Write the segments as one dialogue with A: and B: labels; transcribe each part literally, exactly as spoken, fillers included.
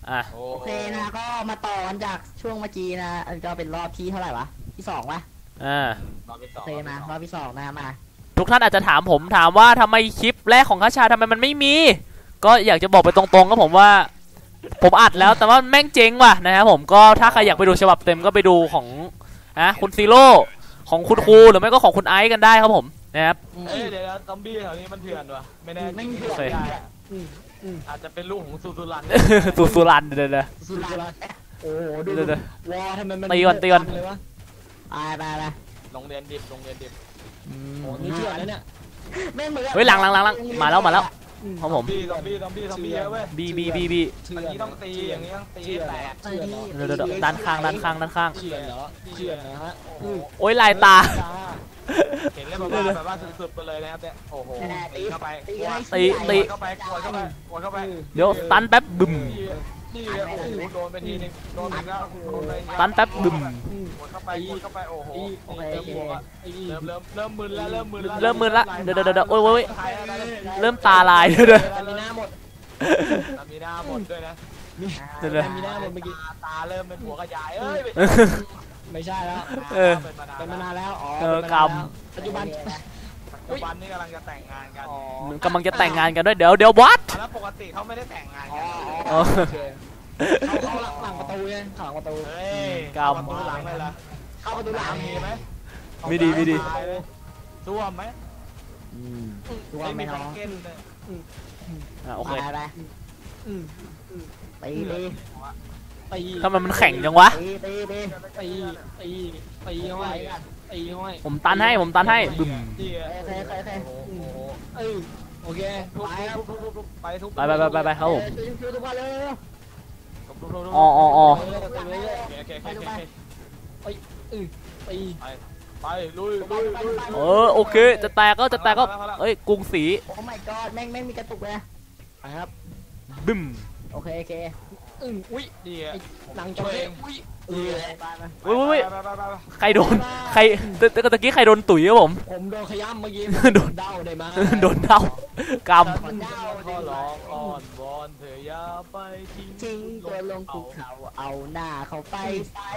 A: อ่ะ
B: โอเคนะก็มาต่อกันจากช่วงเมื่อกี้นะก็เป็นรอบที่เท่าไหร่วะที่สองวะ
A: อ่า
B: โอเคมารอบที่สองนะมา
A: ทุกท่านอาจจะถามผมถามว่าทำไมคลิปแรกของคัชชาทำไมมันไม่มี ก็อยากจะบอกไปตรงๆก็ผมว่า ผมอัดแล้วแต่ว่าแม่งเจ๊งว่ะนะครับผมก็ถ้าใครอยากไปดูฉบับเต็มก็ไปดูของนะคุณซีโร่ของคุณครูหรือไม่ก็ของคุณไอซ์กันได้ครับผมนะครับ
C: เอ้ยเดี๋ยวซอมบี้แถวนี้มันเถื่อนวะไม่แน่
B: ไม่เถื่
A: โอเค
B: อน
C: อาจจะเป็นลูกของซูซูรัน
A: สุสุรันเดี๋ยวเดี๋ยว
B: สุดยอด
D: โอ้โหดู
A: เดี๋ยวเดี๋ยว
D: วอทำไมมัน
A: ตีก่อนตีก่อน
D: เลยวะ
B: ไปไปไป
C: โรงเรียนดิบโรงเรียนดิบ
D: โอ้นี่เถื่อนนะเนี่ย
B: ไม่เหมือน
A: เฮ้ยหลังหลังหลังหลังมาแล้วมาแล้วครับผม
C: ซอมบี้ซอมบี้ซอมบี้เยอะเว้ย
A: บีบีบีบี
D: เถื่
C: อั
D: อน น
C: นี้ต้องตีอย่างนี้ต้องตีแตก
D: เถื่อนเหรอ
A: เดี๋ยวเดี๋ยวเดี๋ยวด้านข้างด้านข้างด้านข้าง
D: เถื่อนเหรอเถื่อนนะฮะอืม
A: โอ้ยลายตา
C: เห็นเลยแบบว่าแบบว่าสุดๆไปเลยนะครับเนี่ยโอ้โหตีเข้าไป
B: ตี
A: ตีตี
C: เข้าไปกดเข้าไปกดเข้าไป
A: เดี๋ยวตันแป๊บบึม
C: นี่โอ้โหโดนไปทีนึงโดนอีกแล้วโดนไป
A: ตันแป๊บบึม
C: กดเข้าไปกดเข้าไปโอ้โห
B: โอเค
C: เริ่มบวกอะเริ่มเริ่มเริ่มมึนแล้วเริ่มมึนแล้ว
A: เริ่มมึนละเดี๋ยวเดี๋ยวเดี๋ยวโอ้ยโอ้ยเริ่มตาลายเดี๋ยวเดี๋ยว
D: ตามีหน้าหมด
C: มีหน้าหมดด้วยนะ
A: เดี๋ยวเดี๋ยว
D: ตามีหน้าหมดเมื่อกี้
C: ตาเริ่มเป็นหัวกระยายเอ้ย
D: ไม่ใช่แล้ว
A: เออ
C: เป็นมานาน
D: เป็นมานานแล้วอ๋อ
A: เออ
D: เป็นมานาน
A: กรรม
D: แล้วปัจจุบัน
C: ปัจจุบันนี่กำลังจะแต่งงานกัน
D: อ๋อก
A: ำลังจะแต่งงานกันด้วยเดี๋ยวเดี๋ยววัด
C: แล้วปกติเขาไม่ได้แต่งงาน
D: อ๋
C: กั
D: อน อ๋อโอเคเขาเขาหลังหลังประตูไงหลังประตู
C: เฮ้ย
A: กรรม
C: ประตูหลังเลยล่ะ
D: เข้าประตูหลัง
C: มีไหม
A: ไม่ดีไม่ดี
C: ซ่วมไหม
B: อืมตัว
C: ไม่
B: ไม่
C: มี
B: น้
C: แพ็
B: อก ง
C: เกจเลย
A: อ่ะโอ
B: ไป
A: เค
B: ไป
D: อืม
B: ตีตี
D: ตี
A: ทำไมมันแข็งจังวะ
B: ตีตีตี
D: ตีตีตีเข้าไปตีเข้าไป
A: ผมตันให้ผมตันให้บึม
C: นี่
B: เคยเคยเคย
C: โอ้โห
D: เออโอเค
C: ทุบ
D: ไปครับ
C: ทุบทุบทุบไปทุบ
A: ไปไปไปไปไปครับผม
B: ช่วยช่วยทุกคนเลย
C: ทุบทุบทุบ
A: อ๋ออ๋ออ๋อ
D: ไปเลยไปเลย
C: โอเคโอเคโอเคโอเค
D: เออตี
C: ไปลุยลุยลุย
A: เออโอเคจะแตกก็จะแตกก็เอ้ยกรุงศรี
B: โอ้ my god แม่งแม่งมีกระตุกเลย
D: ไปครับ
A: บึม
B: โอเคโอเค
D: อืมอุ้ย
C: นี่
D: หนังจระเข้อุ้ยเออ
B: ไปไป
A: เว้ยเว้ยเว้ย
C: ไปไปไป
A: ใครโดนใครตะตะตะกี้ใครโดนตุ๋ยครับผม
D: ผมโดนขย้ำเมื่อกี้
A: โดน
D: เด้าได้มา
A: โดนเดากรรม
C: ขอร้องอ้อนวอนเธออย่าไปทิ้ง
B: ทิ้งตัวลงภูเขาเอาหน้าเขาไปใส่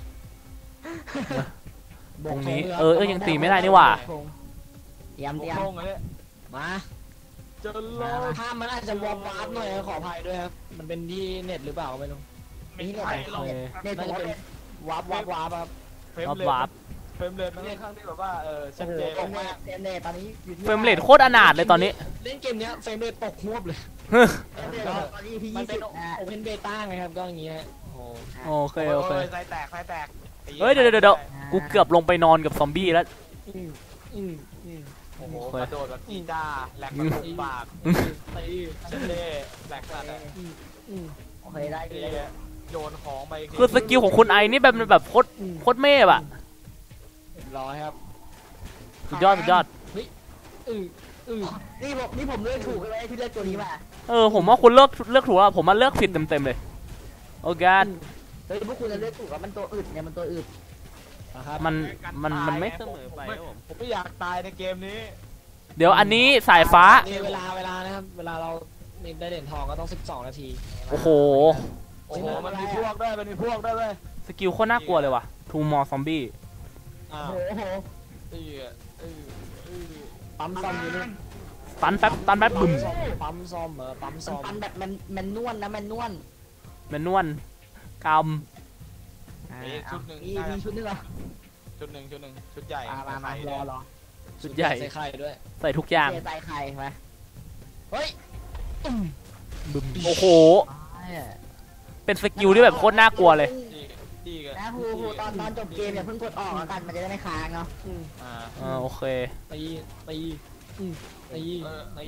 A: ตรงนี้เออเออยังตีไม่ได้นี่หว่า
B: เตรียมเตรียม
C: โค้งเลย
D: มา
C: จะรอ
D: ภาพมันอาจจะวอร์มวาร์ปหน่อยขออภัยด้วยครับมันเป็นที่เน็ตหรือเปล่าไม่รู้
C: ไม่ใช่หรอก
B: เนี่ย
D: น่า
B: ผม
D: จะ
B: ว่า
D: เป็น
B: เป็น
D: วาร์ปวาร์ปวาร์ปครับ
C: เฟรม
A: รอบ
C: เรท
A: วาร์ป
C: เฟรมเรทมันค่อนข้างที่แบบว่าเออชั
B: โอ้
C: ด
B: โห
C: เจน
B: เฟรมเรทเฟรมเรทตอนนี้อยู่ที่
A: เฟรมเรทโคตรอนาถเลยตอนนี้
D: เล่นเกมเนี้ยเฟรมเรทตกหวบเลย
B: เฟรมเรทตอนนี้พี่
D: มัน
B: ยี่
D: เป็
B: สิ
D: น
B: บนะ
D: โอเพนเบต้าไงครับก็อย่างเงี้ยโอ้
A: โอเคโอเค
C: ไฟแตกไฟแตก
A: เฮ้ยเดี๋ยวเดี๋ยวเดี๋ยวกูเกือบลงไปนอนกับซอมบี้แล้ว
D: อืมอืมอืม
C: โอ้โหกระโดดแบบจีจ้าแหลกแบบปาก
D: ตี
C: ชันเล่แหลกสัตว์
D: อืมอืม
B: โอเคได้อยู่ได้อยู่
C: โยนของไป
A: คือสกิลของคุณไอนี่แบบแบบโคตร
D: อืม
A: โคตรเมฟอะ
D: เรียบร้อยครับ
A: สุดยอดสุดยอด
D: อืออือ
B: นี่ผมนี่ผมเลือกถูกเลยที่เลือกตัวนี้มา
A: เออผมว่าคุณเลือกเลือกถูกแล้วผมมาเลือกผิดเต็มเต็มๆเลยโอ้กาด
B: เฮ้ยพวกคุณจะเลือกถูกว่ามันตัวอึดเนี่ยมันตัวอึด
D: นะครับ
A: มันมันมันไม่เสมอไป
C: ผมไม่อยากตายในเกมนี้
A: เดี๋ยวอันนี้สายฟ้า
D: นี่เวลาเวลานะครับเวลาเราได้เหรียญทองก็ต้องสิบสองนาที
A: โอ้โห
C: โอ้โหมันมีพวกด้วยมันมีพวกด้วยเว้ย
A: สกิลโคตรน่ากลัวเลยว่ะทูมอร์ซอมบี้
D: อ้า
B: โอ้
D: ว
B: โห
C: เออเออเออ
D: ปั๊มซ่อมอยู่นี่
A: ตันแป๊บตันแป๊บบึม
D: ปั๊มซ่อมเหรอปั๊ม
B: มัน
D: ซ่อม
B: ปันแบบมันมันนวลนะมันนวล
A: แมนนวลกรรม
C: มีชุดหนึ่ง
B: มีมีชุดนึงเหรอ
C: ชุดหนึ่งชุดหนึ่งชุดใหญ่
B: มามามารอรอ
A: สุดใหญ่
D: ใส่ไข่ด้วย
A: ใส่ทุกอย่าง
B: เทใจใครไหม
D: เฮ้ยอืม
A: บึมโอ้โห
B: ใช่
A: เป็นสกิลที่แบบโคตรน่ากลัวเลย
C: ดีดีกัน
B: นะครูครูตอนตอนจบเกมอย่าเพิ่งกดออกแล้วกันมันจะได้ไม่ค้างเนาะ
D: อืม
C: อ่า
A: อ่าโอเค
D: ตีตีอืมตีตี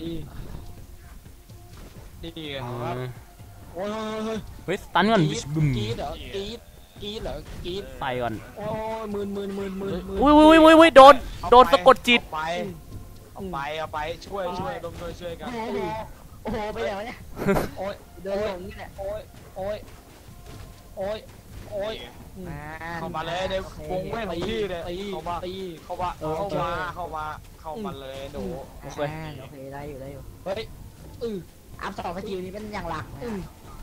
C: ดีกัน
A: อืม
D: โอ้ยเฮ้ย
A: เฮ้ยตันก่อน
D: กรีด
A: บึม
D: กรีดเหรอกรีดกรีดเหรอกรีด
A: ใส่ก่อน
D: โอ้ยหมื่นหมื่นหมื่นหมื่นหมื่น
A: อุ้ยอุ้ยอุ้ยอุ้ยโดนโดนสะกดจิต
C: เอาไปเอาไปเอาไปช่วยช่วยร่วมด้วยช่วยกัน
B: โอ้โหโอ้โหไปไหนวะเนี่ย
D: โอ้ย
B: เดินลงนี่แหละ
D: โอ้ยโอ้ยโอ้ยโอ้ย
C: เข้ามาเลยในวงเว้นของพี่เลย
D: ตี
C: เข้ามา
D: ตี
C: เข้ามาเข้ามาเข้ามาเข้ามาเลยหนู
A: โอเค
B: โอเคได้อยู่ได้อยู่
D: เฮ้ยอือ
B: อัพสองสกิลนี้เป็นอย่างหลัก
D: อื
B: นะ
D: อ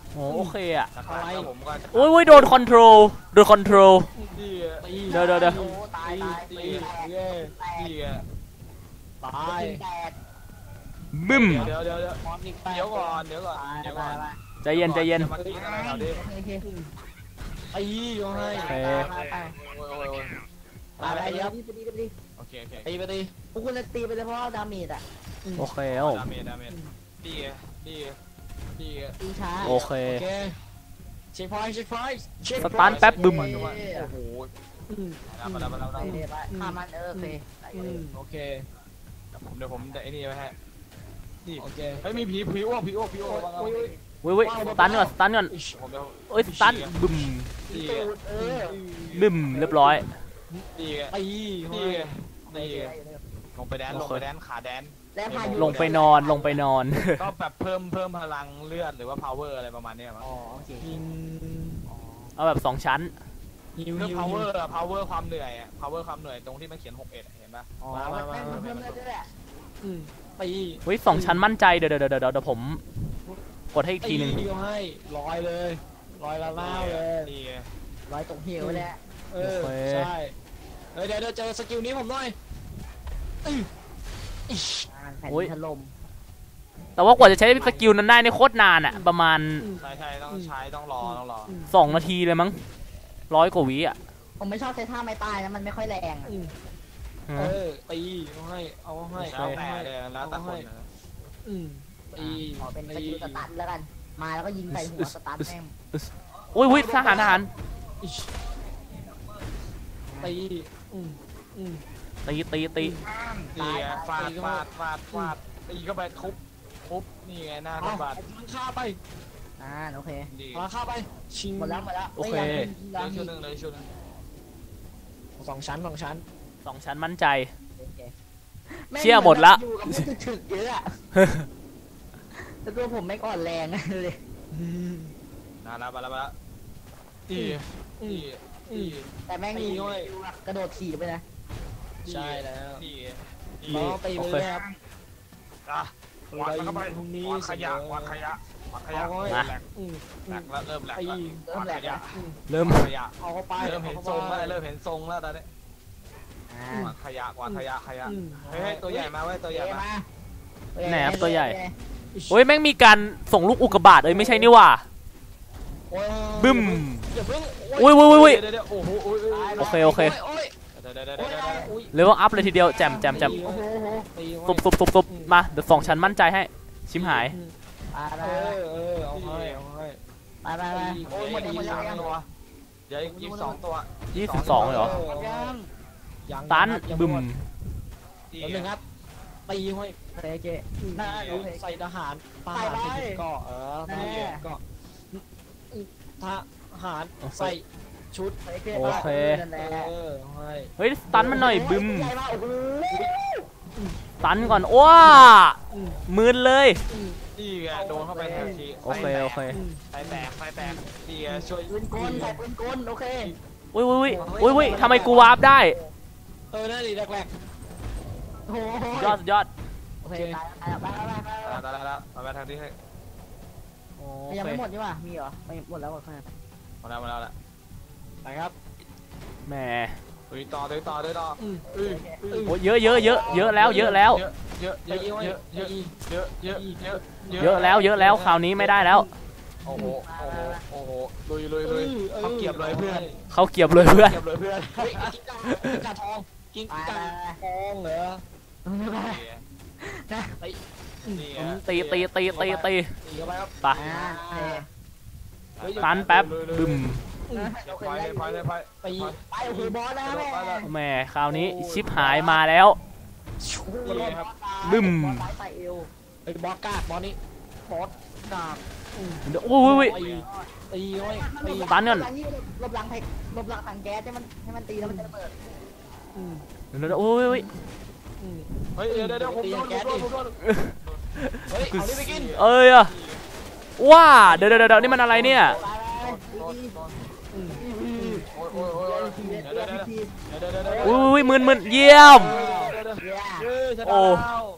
A: โอ้โอเคอะ
C: นะครับแล้วผมก็จะ
A: โอ้ยโอ้ยโดนคอนโทรลโดนคอนโทรล
C: ดีอะ
D: ตี
A: เดี๋ยวเดี๋ยวเดี๋ยว
B: โอ้ตายตาย
C: ดี
B: ตี
C: อะ
B: แตก
D: เย้
B: แตก
C: ดีอะ
D: ตาย
B: แตก
A: บึ้ม
C: เดี๋ยวเดี๋ยวเดี๋ยว
D: มอนอีกแต
C: เดี๋ยวก่อนเดี๋ยวก่อน
B: ตาย
C: เดี๋ยว
B: ตา
C: ก่อย น
B: ตาย
A: ใจเย็นใจเย็น
C: อามากินอะไรแถวนี้
B: โอเค
D: ตีก็ให้
A: โอเค
B: ตายตาย
C: โอ้ยโอ้ยโอ้ย
B: ตายตายเดี๋ยวไปดีไปดี
C: โอเคโอเค
D: ตีไปตี
B: พวกคุณจะตีไปเลยเพราะว่าดาเมจอ่ะ
A: โอเคครับผม
C: ดาเมจดาเมจดีอะดีอะดีอะ
B: ตีช้า
A: โอเค
D: โอเคเช็คพอยต์เช็คพอยต์เช็ค
A: สตันแป๊บบึ้ม
C: โอ้โหมาแล้วมาแล้วมา
B: ไป
C: แล้ว
B: เลยไปฆ่ามันเออโอเคไปเลย
D: โอเค
C: ผมเดี๋ยวผมไอ้นี่ไว้ให้นี่
D: โอเค
C: เฮ้ยมีผีผีอ้วกผีอ้วกผีอ้วก
D: โอ้ย
A: เว้ยเว้ยสตันก่อนสตันก่อน
C: ผมเดี๋ยว
A: เอ้ยสตันบึ้ม
C: ดี
B: ตู
C: อะ
B: ดเออ
A: บึ้มเรียบร้อย
C: ดีอะ
D: ตี
C: ดีอะดีอะลงไปแดนลงไปแดนขาแดน
B: แล้วพายุ
A: ลงไปนอนลงไปนอน
C: ก็แบบเพิ่มเพิ่มพลังเลือดหรือว่า power อะไรประมาณเนี้ยมั้ง
B: อ๋อโอเค
D: ยิง
A: เอาแบบสองชั้น
D: ฮิว
C: เรื่อง
D: ฮิว
C: power อะ power ความเหนื่อยอะ power ความเหนื่อยตรงที่มันเขียนหกเอ็ดเห็นปะ
D: อ๋อ
B: มา
D: มา
B: แม่
D: มาง
B: เพิ่มเลือดด้วยแหละ
D: อืมตี
A: เฮ้ยสองชั้นมั่นใจเดี๋ยวเดี๋ยวเดี๋ยวเดี๋ยวผมกดให้อีกทีหนึ่ง
D: ตีก็ให้ลอยเลยลอยละล่าเลย
C: ดีอะ
B: ร้อยตรงเหวแหละ
D: เออใช่เฮ้ยเดี๋ยวเดี๋ยวเจอสกิลนี้ผมหน่อยอื้ออิ๊ช
B: แผ่นถล่ม
A: แต่ว่ากว่าจะใช้สกิลนั้นได้นี่โคตรนานอะประมาณ
C: ใช่ใช่ต้องใช้ต้องรอต้องรอ
A: สองนาทีเลยมั้งร้อยกว่าวิอะ
B: ผมไม่ชอบใช้ท่าไม้ตายนะมันไม่ค่อยแรง
D: อืม
A: ฮะ
D: เออตีเอาให้เอาให้
C: แล้วแต่เลยแล้วแต่คนนะ
D: อืมตี
B: ขอเป็นสกิลสตันแล้วกัน มาแล้วก็ยิงใส่หัวสตันแม่ง
A: โอ้ยวิทหารทหาร
D: อิ๊ชตีอืมอืม
A: ตีตีตี
C: ดีอะฟาดฟาดฟาดฟาดตีเข้าไปทุบทุบนี่ไงหน้า
D: เอา
C: ทุบบาด
D: พลังฆ่าไป
B: อ่าโอเค
C: ดี
D: พลังฆ่าไปชิง
B: หมดแล้วหมดแล้ว
A: โอเค
C: เหลือชุดหนึงเหลยชุดหนึง
D: สองชั้นสองชั้น
A: สองชั้นมั่นใจ
B: โอเค
A: เชี่ยหมดละ
B: อยู่กับผู้ถึกๆเยอะอะแล้วตัวผมไม่ก่อนแรงเลย
C: นาแล้วมาแล้วมาแล้วดีดีดี
B: แต่แม่งมีกระโดดขี่ไปนะ
D: ใช่แล้ว
C: ดีดี
D: น้องตีไปเลยครับ
C: อ่ะวางเข้าไป
D: พรุ่งนี้
C: วางขยะวางขยะวางขยะ
D: เอาไว้
C: แหลก
D: อืม
C: แหลกแล้วเริ่มแหลก
D: ตี
C: แล้ววางขยะ
D: อืม
A: เริ่ม
C: วางขยะ
D: เอาเข้าไป
C: เริ่มเห็นทรงแล้วเริ่มเห็นทรงแล้วตอนนี้
B: อ่าว
C: างขยะวางขยะขยะ
D: อืม
C: เฮ้ยตัวใหญ่มาเว้ยตัวใหญ่
B: เอ้
C: มา
B: มา
A: ไหนครับตัวใหญ่ โอ้ยแม่งมีการส่งลูกอุกกาบาตเอ้ยไม่ใช่นี่หว่า
D: โอ้ย
A: บึ้ม
D: อย่าเพิ่ง
A: อุ้ยอุ้ยอุ้ยอุ้ย
C: เดี๋ยวเดี๋ยวโอ้โหโอ้ย
A: โอเคโอเค
D: โอ้ย
C: เดี๋ยวเดี๋ยวเดี๋ยว
D: โอ้ย
C: เดี๋ยว
D: โอ้ย
A: เลเวลอัพเลยทีเดียวแจมแจมแจม
B: โอ้โหโอ้โห
D: ตี
A: ตุบตุบตุบตุบมาเดี๋ยวสองชั้นมั่นใจให้ชิมหาย
B: ไปไป
D: เออเออเอาให้เอาให้
B: ไปไปไป
C: โอ้ยหมดอีกสองตัวเดี๋ยวอีกสองตัว
A: ยี่สิบสองเลยเหรอ
B: ยัง
D: ยัง
A: ตัน
D: ยัง
A: บึ้ม
D: หดแล้วหนึ่งครับตีห้อย
B: โอเคโอเคน่าโอเค
D: ใส่ทหารท
B: ใส่
D: หาร
B: ไป
D: ไปถึงเกาะเออท
B: แน่
D: หารเกาะทหารใส่ชุด
A: โอเค
B: นั่นแหละ
D: เออให้
A: เฮ้ยสตันมันหน่อยบึ้ม
B: ใหญ่มากโอ้โห
A: สตันก่อนว้ามืนเลย
C: นี่ไงโดนเข้าไปทันที
A: โอเคโอเค
D: อืม
C: ไฟแตกไฟแตกนี่ไงช่วย
B: ปืนกลใส่ปืนกลโอเค
A: อุ้ยอุ้ยอุ้ยอุ้ยทำไมกูวาร์ปได้
D: เออนั่นดิแรก
B: โอ้โห
A: ยอดยอด
B: โอเคตายแล้วตายแล้วไปไปไป
C: ตายแล้วตายแล้วมาไปทางที่ให้
A: โอ
B: ยัง
A: เค
B: ไม่หมดนี่หว่ามีเหรอไม่หมดแล้วหมดแล้ว
C: มาแล้วมาแล้วแหละ
D: ๆนะครับ
A: แหม
C: ตุยต่อตุยต่อตุยต่อ
D: อืม
C: อืออือ
A: โอ้ยเยอะเยอะเยอะเยอะแล้วเยอะแล้ว
C: เยอะเยอะเยอะเยอะเยอะเยอะเยอะ
A: เยอะแล้วเยอะแล้วคราวนี้ไม่ได้แล้ว
C: โอ้โหโอ้โหโอ้โหลุยลุยลุยเขาเก็บเลยเพื่อน
A: เขาเกียบเลยเพื่อน
C: เก็บเลยเพื่อน
D: เฮ้ยกิ้งก่ากิ้งก่าทองกิ้ง
B: ไป
D: ก่า
B: ไป
D: ทองเหรอ
B: ไป นะ
C: นี่
A: ตีตีตีตีตี
D: ตีเข้าไปครับ
A: ไป
B: อ่าโอเค
D: เฮ้ย
A: ตันแป๊บบึ้ม
B: โอเค
C: ไปเลยไปเลยไป
D: ตี
B: ไปโอเคบอสนะแม่
A: แหมคราวนี้ชิปหายมาแล้ว
C: นี่ครับ
A: บึ้ม
B: บอสใส่เอว
D: ไอ้บอสกากบอสนี้บอสกาก
A: เดี๋ยวอุ้ยอุ้ย
D: ตีตีไว้ตี
A: ตันก่อน
B: ลบหลังให้ลบหลังถังแก๊สให้มันให้มันตีแล้วมันจะระเบิด
D: อืม
A: เดี๋ยวเดี๋ยวอุ้ยอุ้ย
D: อืม
C: เฮ้ยเดี๋ยวเดี๋ยวผมโดนผมโดนผมโดน
D: เฮ้ยเอานี่ไปกิน
A: เอ้ยอะว้าเดี๋ยวเดี๋ยวเดี๋ยวนี่มันอะไรเนี่ย
B: ไป
C: โดน
B: ไป
C: โดน
D: อืม
C: โอ้ยโอ้ยโอ้ยเดี๋ยวเดี๋ยวเดี๋ยวเดี๋ยวเดี๋ยวเดี๋ยว
A: อุ้ยอุ้ยมึนมึนเยี่ยม
C: เดี๋ยวเดี๋ยว
B: เย้
C: เฮ้ยชนะ
A: โอ้
C: แล้ว
A: โอ้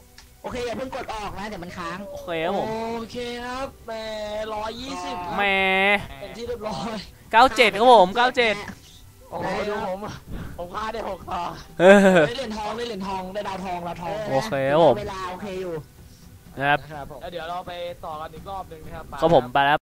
B: เคอย่าเพิ่งกดออกนะเดี๋ยวมันค้าง
A: โอเคครับผม
D: โอเคครับแหมร้อยยี่สิบ
A: แหม
D: เป็นที่เรียบร้อย
A: เก้าเจ็ดครับผมเก้าเจ็ด
C: โอ้โหดูผมผมฆ่าได้หกต่อ
A: เออ
D: ได้เหรียญทองได้เหรียญทองได้ดาวทองดาวทอง
A: โอเคครับผม
B: เวลาโอเคอยู่
A: นะครับ
D: ครับผม
C: แล้วเดี๋ยวเราไปต่อกันอีกรอบหนึ่งนะครับ
A: ก็ผมไปแล้ว